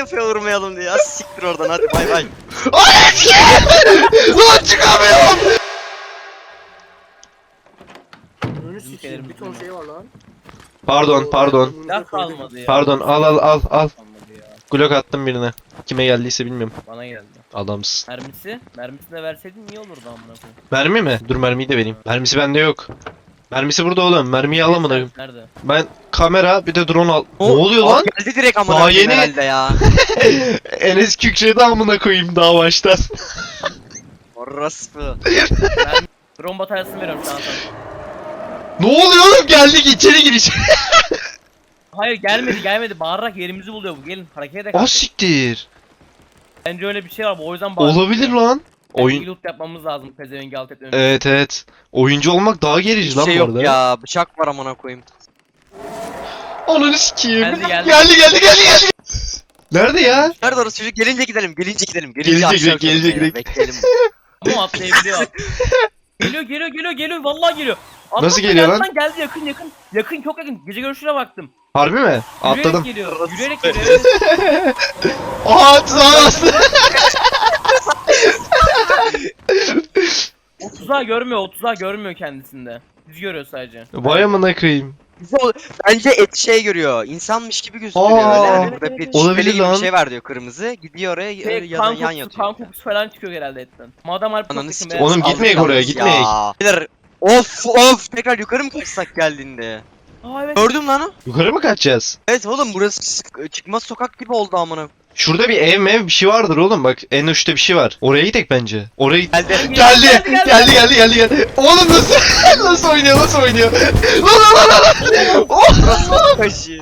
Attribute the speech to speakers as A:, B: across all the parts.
A: yapıyor vurmayalım diye. Ya siktir oradan hadi bay bay.
B: Lan çıkamıyorum.
C: Önünü sikeyim. Bir ton şey var lan.
B: Pardon.
D: Silah kalmadı ya.
B: Pardon al.
D: Kalmadı ya.
B: Glock attım birine. Kime geldiyse bilmiyorum.
D: Bana geldi.
B: Adamsın.
D: Mermisini de verseydin iyi olurdu amına koyayım.
B: Mermi mi? Dur mermiyi de vereyim. Mermisi bende yok. Mermisi burada oğlum. Mermiyi alamadım.
D: Nerede?
B: Ben kamera bir de drone al. Ne oluyor lan?
A: Geldi direkt amına
B: Daha
A: koyayım
B: yeni-
A: herhalde ya.
B: Enes kükredi amına koyayım daha baştan.
A: Orospu.
D: Ben drone bataryasını veriyorum sana.
B: Ne oluyor oğlum? Geldik içeri giriş.
D: Hayır gelmedi. Bağırarak yerimizi buluyor bu. Gelin hareket edelim.
B: Ah siktir.
D: Bence öyle bir şey var. O yüzden bağırıyor.
B: Olabilir lan. Oyun.
D: Loot yapmamız lazım. Pezevengi alt etmemiz.
B: Evet. Oyuncu olmak daha gerici
A: Hiç
B: lan
A: şey
B: bu
A: yok
B: arada.
A: ya. Bıçak var amına koyayım.
B: Ananı sikeyim.
D: Geldi.
B: Geldi. Nerede ya?
A: Nerede orası çocuk? Gelince gidelim. Gelince
B: Gelecek,
A: aşağı
B: gelecek.
A: yukarı bekleyelim.
D: Ama atlayabiliyor. Geliyor. Vallahi geliyor. Atlasana,
B: Nasıl geliyor lan?
D: Geldi yakın. Yakın çok yakın. Gece görüşüne baktım.
B: Harbi mi? Atladım.
D: Yürüyerek geliyor. Evet.
B: Aa tuzağa bastı.
D: O tuzağı görmüyor kendisinde. Biz görüyor sadece.
B: Vay amına koyayım.
A: Bence şey görüyor. İnsanmış gibi gözüküyor
B: Aa,
A: öyle. Yani burada bir
B: olabilir
A: şüpheli gibi
B: lan.
A: bir şey var diyor kırmızı. Gidiyor oraya yan yatıyor.
D: Kan kokusu falan çıkıyor herhalde etten. Madem harbi
A: Ananı
D: çok
A: sikeyim.
B: Oğlum gitmeyek
A: Aldık
B: oraya,
A: yalnız
B: gitmeyek.
A: ya. Beyler, Of tekrar yukarı mı kaçsak geldiğinde?
D: Aa evet.
A: Gördüm lan o.
B: Yukarı mı kaçacağız?
A: Evet oğlum burası çıkmaz sokak gibi oldu amına.
B: Şurada bir ev bir şey vardır oğlum bak en uçta bir şey var. Oraya gidelim bence. Oraya
A: Geldi.
B: Geldi. Oğlum nasıl nasıl oynuyor? Lan.
A: Burası kaşı.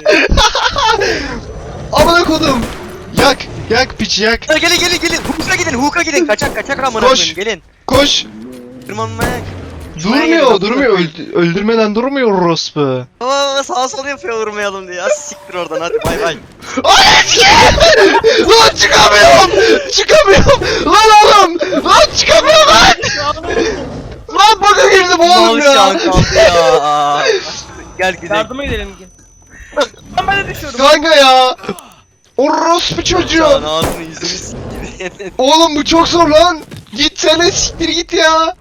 B: Amına kodum. Yak piç yak.
A: Gelin. Hook'a gidin. Kaçak amına
B: Koş.
A: koyayım. Gelin.
B: Koş.
A: Tırmanmaya.
B: Durmuyor. Öldürmeden durmuyor orospu.
A: Aa sağa sola yapıyor vurmayalım diye. Ya siktir oradan hadi bay bay.
B: Lan çıkamıyorum. Lan çıkamıyorum lan. Lan baka girdim oğlum
A: Mal şu an
B: ya.
A: kaldı ya. Gel gidelim.
D: Yardıma gidelim. Ben de düşüyorum.
B: Kanka ya. Orospu
A: Şu an
B: çocuğu.
A: ağzını yüzünü siktir.
B: Oğlum bu çok zor lan. Gitsene siktir git ya.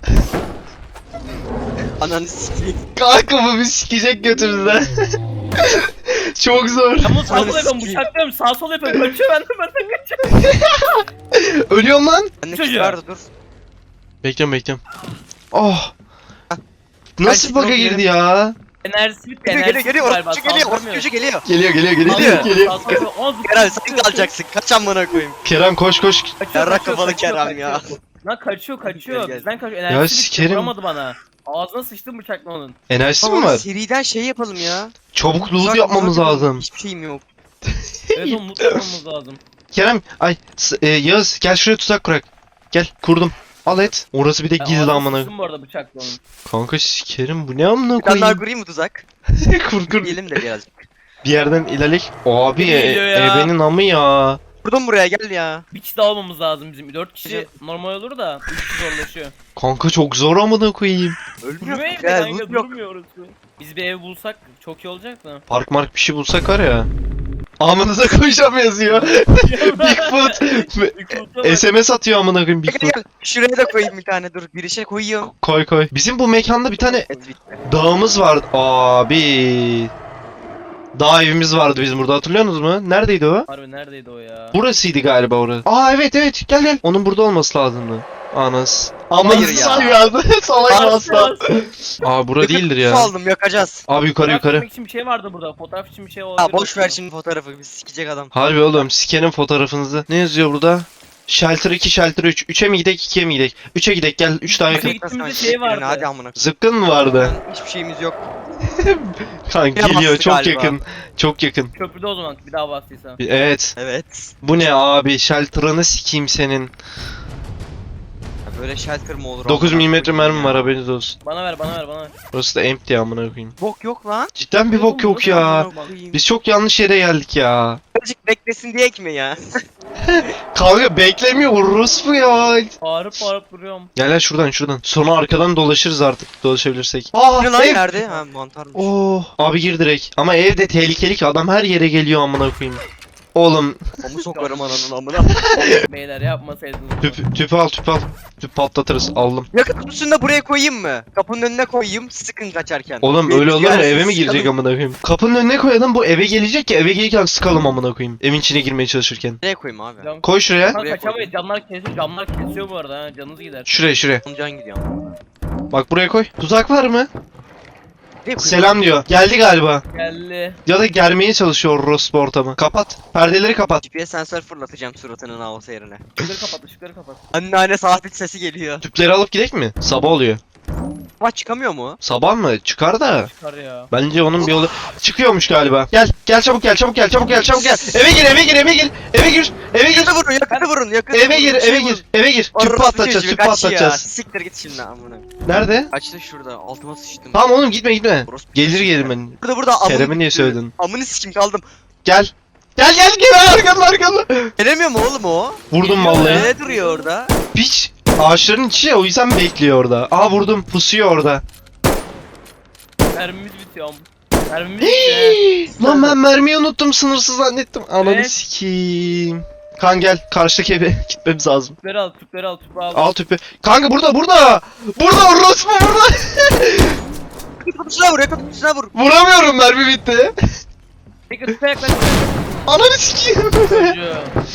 A: Ananı sikeyim.
B: Kanka bu bir sikecek götümüzden. Çok zor.
D: Ama sağ sol yapıyorum. Bıçaklıyorum. Sağ sol yapıyorum. Kaçıyor benden kaçıyor.
B: Ölüyorum lan.
A: Bende
D: Çocuğu.
A: kit vardı dur.
B: Bekliyorum. Oh. Nasıl
A: Ben
B: bug'a
A: gidiyorum.
B: girdi ya?
D: Enerjisi bitti.
A: Geliyor. Orospu geliyor.
B: Geliyor.
A: Geliyor. Kerem sen kalacaksın. Kaç amına koyayım.
B: Kerem koş.
A: Yarrak kafalı Kerem ya.
D: Lan kaçıyor.
A: Gel.
D: Bizden kaçıyor.
B: Ya
D: Enerjisi bitti.
B: sikerim.
D: Vuramadı bana. Ağzına sıçtım bıçakla onun.
B: Enerjisi mi
A: Tamam
B: var?
A: seriden şey yapalım ya.
B: Çabuk loot
A: Uzak
B: yapmamız
A: yapalım.
B: lazım.
A: Hiçbir şeyim yok.
D: Evet onu mutlu yapmamız lazım.
B: Kerem Yağız gel şuraya tuzak kurak. Gel kurdum. Al et. Orası bir de gizli
D: Ağzına
B: amına.
D: sıçtım bu arada bıçakla onun.
B: Kanka sikerim bu ne amına
A: Bir tane daha
B: koyayım.
A: kurayım mı tuzak?
B: Kur.
A: Yiyelim de birazcık.
B: Bir yerden ilerlek. Abi
D: Geliyor ya.
B: ebenin amı ya.
A: Buradan buraya gel ya.
D: Bir kişi daha olmamız lazım bizim. 4 kişi normal olur da 3 kişi zorlaşıyor.
B: Kanka çok zor amına koyayım.
A: Ölmüyor.
D: Durmuyor
A: Gel
D: kanka
A: loot yok.
D: durmuyoruz. Biz bir ev bulsak çok iyi olacak da.
B: Park mark bir şey bulsak var ya. Amınıza koyacağım yazıyor. Bigfoot. SMS atıyor amına koyayım
A: Gel
B: Bigfoot.
A: gel. Şuraya da koyayım bir tane dur. Bir işe koyuyorum.
B: Koy. Bizim bu mekanda bir tane
A: Et bitti.
B: dağımız vardı. Abi. Dağ evimiz vardı bizim burada hatırlıyorsunuz mu? Neredeydi o?
D: Harbi neredeydi o ya?
B: Burasıydı galiba orası. Aa evet gel. Onun burada olması lazımdı. Anas. Amanızı
A: ya.
B: sayıyordu. Salak asla. Aa bura değildir
A: Su
B: ya.
A: aldım yakacağız.
B: Abi yukarı.
D: Fotoğraf için bir şey vardı burada. Fotoğraf için bir şey olabilir.
A: Ha boş ver şimdi fotoğrafı. Biz sikecek adam.
B: Harbi oğlum sikenin fotoğrafınızı. Ne yazıyor burada? Shelter 2, Shelter 3. 3'e mi gidek, 2'ye mi gidek? 3'e gidek gel. 3 daha yakın.
D: Üçe gittiğimizde şey vardı.
A: Hadi amına.
B: Zıpkın mı vardı?
A: Hiçbir şeyimiz yok.
B: Kanka geliyor
A: Yapamazsın
B: çok
A: galiba.
B: yakın. Çok yakın.
D: Köprüde o zaman bir daha bastıysa.
B: Evet.
A: Evet.
B: Bu ne abi? Shelter'ını sikeyim senin.
A: Ya böyle shelter mı olur?
B: 9
A: amına
B: mm
A: koyayım
B: mermi
A: ya.
B: var haberiniz olsun.
D: Bana ver.
B: Burası da empty amına koyayım.
A: Bok yok lan.
B: Cidden bir bok yok ya.
A: Amına koyayım.
B: Biz çok yanlış yere geldik ya.
A: Birazcık beklesin diye mi ya?
B: Kanka beklemiyor vururuz bu ya.
D: Bağırıp duruyorum.
B: Gel şuradan. Sonra arkadan dolaşırız artık dolaşabilirsek. Aa
A: Ne lan
B: ev.
A: nerede? Ha mantarmış.
B: Oh abi gir direkt. Ama ev de tehlikeli ki adam her yere geliyor amına koyayım. Oğlum
A: Omu sokarım ananın amına.
D: Beyler yapmasaydınız.
B: tüpü al. Tüp patlatırız. Aldım.
A: Yakıt kutusunu da buraya koyayım mı? Kapının önüne koyayım, sıkın kaçarken.
B: Oğlum
A: Bir
B: öyle olur mu?
A: rüzgar
B: Eve mi
A: sıkalım.
B: girecek amına koyayım? Kapının önüne koyalım, bu eve gelecek ki eve gelirken sıkalım amına koyayım. Evin içine girmeye çalışırken.
A: Nereye koyayım abi?
D: Cam-
B: Koy şuraya.
D: Lan
A: Buraya
D: kaçamayız. Camlar kesiyor bu arada ha. Canınız gider.
B: Şuraya.
A: Can gidiyor.
B: Bak buraya koy. Tuzak var mı?
A: Nereye koyayım?
B: Selam diyor. Geldi galiba.
D: Geldi.
B: Ya da germeye çalışıyor orospu ortamı. Kapat. Perdeleri kapat.
A: GPS sensör fırlatacağım suratının havası yerine.
D: Işıkları kapat.
A: Anneanne saat sesi geliyor.
B: Tüpleri alıp gidek mi? Sabah oluyor.
A: Ama çıkamıyor mu?
B: Sabah mı? Çıkar da.
D: Çıkar ya.
B: Bence onun bir yolu çıkıyormuş galiba. Gel çabuk gel. Eve gir.
A: Yakıtı vurun, yakıtı vurun, yakıtı
B: Eve
A: vurun,
B: gir,
A: şey
B: eve
A: vurun.
B: gir. Eve gir. Tüp
A: Orospu
B: patlatacağız,
A: çocuğu,
B: tüp
A: kaç ya.
B: patlatacağız.
A: Siktir git şimdi amına.
B: Nerede?
A: Kaçtı şurada, altıma sıçtım.
B: Tamam oğlum gitme.
A: Orospu
B: Gelir
A: çocuğu.
B: ben.
A: Burada
B: Kerem'e niye söyledin?
A: Amını sikim kaldım.
B: Gel arkanda.
A: Gelemiyor mu oğlum o?
B: Vurdum vallahi.
A: Ne duruyor orada?
B: Piç. Ağaçların içi ya, o yüzden bekliyor orada. Aa vurdum, pusuyor orada.
D: Mermimiz bitiyor. Mermimiz bitiyor.
B: Lan ben mermiyi unuttum, sınırsız zannettim. Ananı
D: Evet.
B: sikeyim. Kan gel, karşıdaki eve gitmemiz lazım.
D: Tüpleri al. Tüpü al.
B: Al tüpü. Kanka burada. Burada orospu burada.
A: Yakıt kutusuna vur, yakıt kutusuna vur.
B: Vuramıyorum, mermi bitti.
D: Peki tüpe yaklaş.
B: Ananı sikeyim.
D: Çocuğu.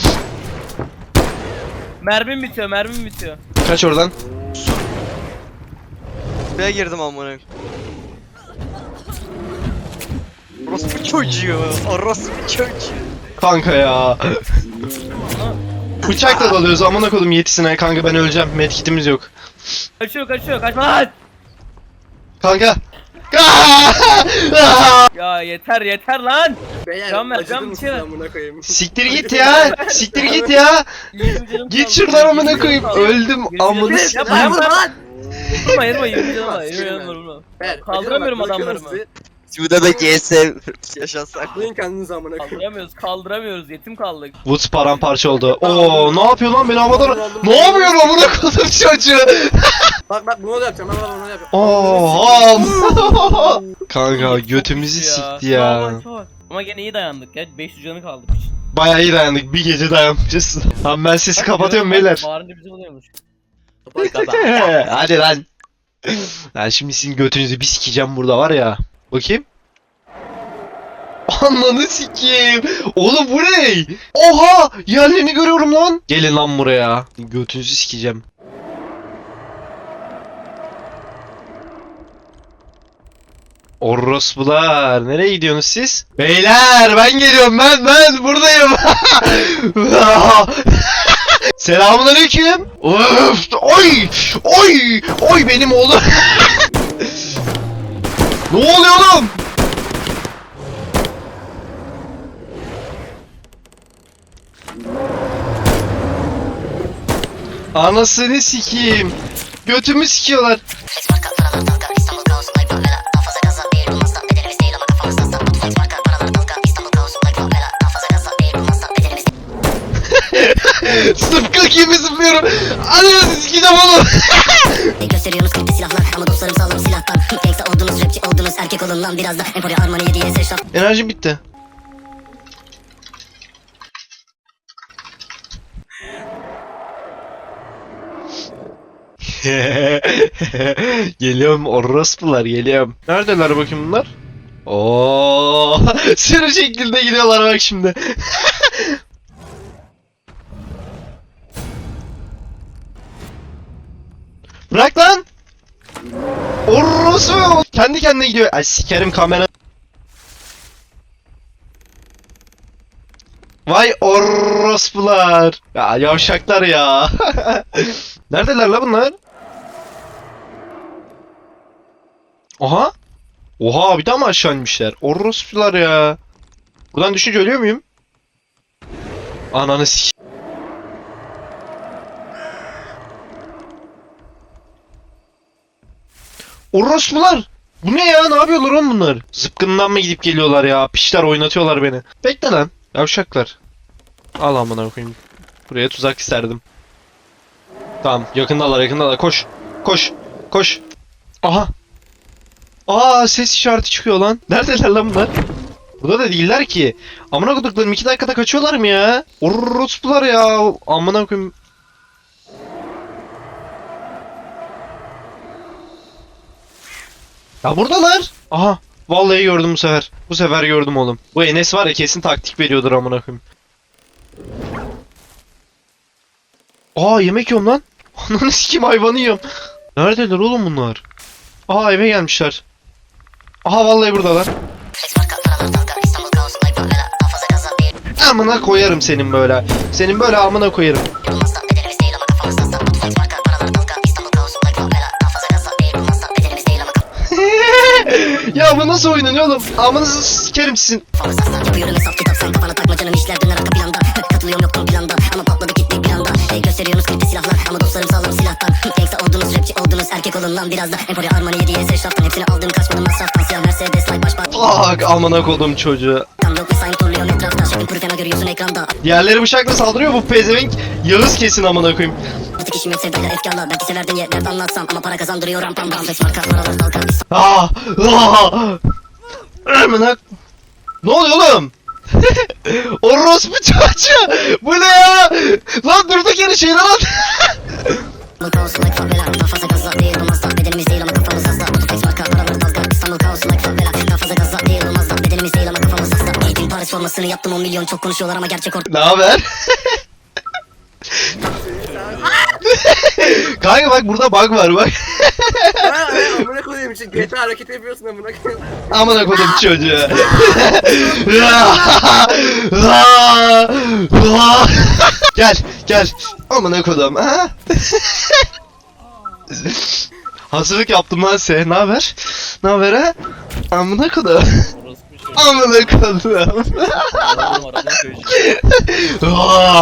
D: Mermim bitiyor.
B: Kaç oradan.
A: Buraya girdim amına. Orospu çocuğu, orospu çocuğu.
B: Kanka ya. Bıçakla dalıyoruz, amına kodum yetisine. Kanka ben öleceğim, medkitimiz yok.
D: Kaçıyor. Kaçma lan.
B: Kanka.
D: Ya yeter lan.
C: Beyler
D: Can ver,
C: acıdı
D: can
C: mısın
D: bir şey
C: amına koyayım?
B: Siktir git ya.
D: 20 canım
B: Git
D: kaldı,
B: şuradan
D: 20
B: amına
D: canım
B: koyayım.
D: kaldı.
B: Öldüm
D: 20
B: amına
D: canım-
B: sikeyim.
D: Yapma,
C: Vurma lan!
D: Vurma 20 canım var. 20 canım var vurma.
C: Beyler,
D: Kaldıramıyorum
C: acıdı bak,
D: adamlarımı.
C: bakın
A: Şurada da GSM yaşasak.
C: Saklayın kendinizi amına koyayım.
D: Kaldıramıyoruz. Yetim kaldık.
B: Woods paramparça oldu. Oo, ne yapıyor lan beni havadan? Ne yapıyor amına kodum çocuğu?
C: Bak bunu yapacağım, ben bunu yapacağım.
B: Oo. Kanka
D: Çok
B: götümüzü
D: güçlü
B: sikti ya.
D: Ama gene iyi dayandık ya. 500 canı kaldı.
B: Bayağı iyi dayandık. Bir gece dayanmışız. Tamam ben sesi kapatıyorum beyler.
D: Bağırınca bizi buluyormuş.
B: Hadi lan. Ben şimdi sizin götünüzü bir sikeceğim burada var ya. Bakayım. Ananı sikeyim. Oğlum bu ne? Oha! Yerlerini görüyorum lan. Gelin lan buraya. Götünüzü sikeceğim. Orospular. Nereye gidiyorsunuz siz? Beyler ben geliyorum ben buradayım. Selamünaleyküm. Öf, oy benim oğlum. Ne oluyor oğlum? Anasını sikeyim. Götümü sikiyorlar.
E: Flex marka paralar dalga İstanbul kaos like favela daha fazla gaza değil bulmazsa bedenimiz değil ama kafamızda stat Flex marka paralar dalga İstanbul kaos like favela daha fazla gaza değil bulmazsa bedenimiz
B: Sıpkı gibi zıplıyorum. Anasını sikeceğim oğlum.
E: gösteriyorsunuz klipte silahlar ama dostlarım sağlam silahtan Gangsta oldunuz rapçi oldunuz erkek olun lan biraz da Emporio Armani 7'ye seçraf
B: Enerjim bitti. Geliyorum orospular geliyorum. Neredeler bakayım bunlar? Oo, sürü şekilde gidiyorlar bak şimdi. Bırak lan. Orospu kendi kendine gidiyor. Ay sikerim kamera. Vay orospular. Ya yavşaklar ya. Neredeler la bunlar? Oha. Oha bir daha mı aşağı inmişler? Orospular ya. Buradan düşünce ölüyor muyum? Ananı sik. Orospular. Bu ne ya? Ne yapıyorlar oğlum bunlar? Zıpkından mı gidip geliyorlar ya? Pişler oynatıyorlar beni. Bekle lan. Yavşaklar. Al amına koyayım. Buraya tuzak isterdim. Tamam, yakındalar. Koş. Aha. Aa, ses işareti çıkıyor lan. Neredeler lan bunlar? Burada da değiller ki. Amına koduklarım 2 dakikada kaçıyorlar mı ya? Orospular ya. Amına koyayım. Ya buradalar. Aha. Vallahi gördüm bu sefer. Bu sefer gördüm oğlum. Bu Enes var ya kesin taktik veriyordur amına koyayım. Aa yemek yiyorum lan. Ananı sikeyim hayvanı yiyorum. Neredeler oğlum bunlar? Aha eve gelmişler. Aha vallahi buradalar.
E: Flex marka paralar dalga İstanbul kaosu like favela daha fazla gaza bir
B: Amına koyarım senin böyle. Senin böyle amına koyarım.
E: Olmazsa bedenimiz değil ama kafamız hasta Batu flex marka paralar dalga İstanbul kaosu like favela daha fazla gaza bir Olmazsa bedenimiz değil ama
B: Ya bu nasıl oynanıyor oğlum? Amınızı sikerim sizin.
E: kafamız hasta Yapıyorum hesap kitap sen kafana takma canım işler döner arka planda Katılıyorum yoktum planda ama patladı gitti bir anda Gösteriyorsunuz klipte silahlar ama dostlarım sağlam silahtan Gangsta oldunuz rapçi oldunuz erkek olun lan biraz da Emporia Armani 7'ye eşraftan hepsini aldım kaçmadım masraftan Siyah Mercedes like baş
B: Tak amına kodum çocuğu.
E: Tam yok mesai turluyorum etrafta Şakın kuru fena görüyorsun ekranda
B: Diğerleri bıçakla saldırıyor bu pezevenk. Yağız kesin amına koyayım.
E: Artık işim yok sevdayla efkarla Belki severden yerlerde anlatsam ama para kazandırıyor rampam Flex marka paralar dalga
B: Ah! Ah! Amına. Ne oluyor oğlum? Orospu çocuğu. Bu ne ya? Lan durduk yere şeyler at.
E: İstanbul kaosu like favela daha fazla gaza değil olmaz da bedenimiz değil ama kafamız hasta Batu flex marka paralar dalga İstanbul kaosu like favela daha fazla gaza değil olmaz da bedenimiz değil ama kafamız hasta Gittim Paris formasını yaptım 10 milyon çok konuşuyorlar ama gerçek ortada
B: Ne haber? Kanka bak burada bug var bak.
C: Amına koyayım için GTA hareket yapıyorsun amına koyayım.
B: Amına kodum çocuğu. Gel gel. Amına kodum. Ha? Hazırlık yaptım lan sen. Ne haber? Ne haber ha? Amına kodum.
D: Orası bir şey.
B: Amına kodum.
D: Oğlum, arada çocuğu.